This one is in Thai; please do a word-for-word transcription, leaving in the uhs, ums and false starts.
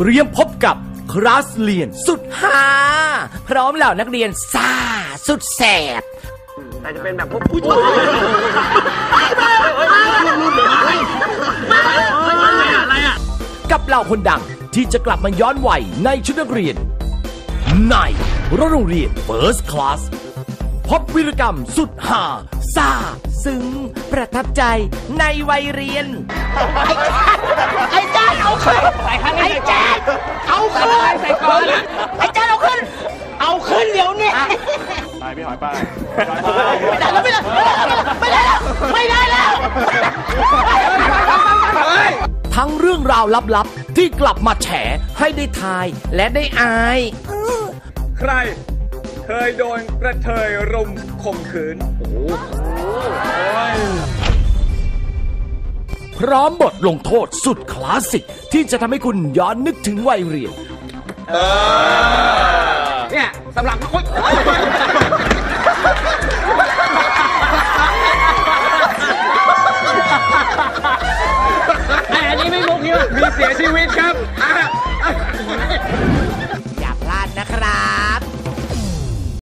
เตรียมพบกับคลาสเรียนสุดฮาพร้อมเหล่านักเรียนซ่าสุดแสบแต่จะเป็นแบบพวกผู้ชายกับเหล่าคนดังที่จะกลับมาย้อนวัยในชุดนักเรียนในโรงเรียน First Class พบวีรกรรมสุดฮาซ่าซึ้งประทับใจในวัยเรียนไอ้แจ๊ดเอาขึ้นไอ้แจ๊ดเอาขึ้นไอ้แจ๊ดเอาขึ้นเอาขึ้นเดี๋ยวนี้ไปพี่หอยไปไม่ได้แล้วไม่ได้ไม่ได้แล้วไม่ได้แล้วทั้งเรื่องราวลับๆที่กลับมาแฉให้ได้ทายและได้อายใครเคยโดนกระเทยรุมข่มขืนพร้อมบทลงโทษสุดคลาสสิกที่จะทำให้คุณย้อนนึกถึงวัยเรียนเนี่ยสำหรับคนอันนี้ไม่มุกนี่มีเสียชีวิตครับ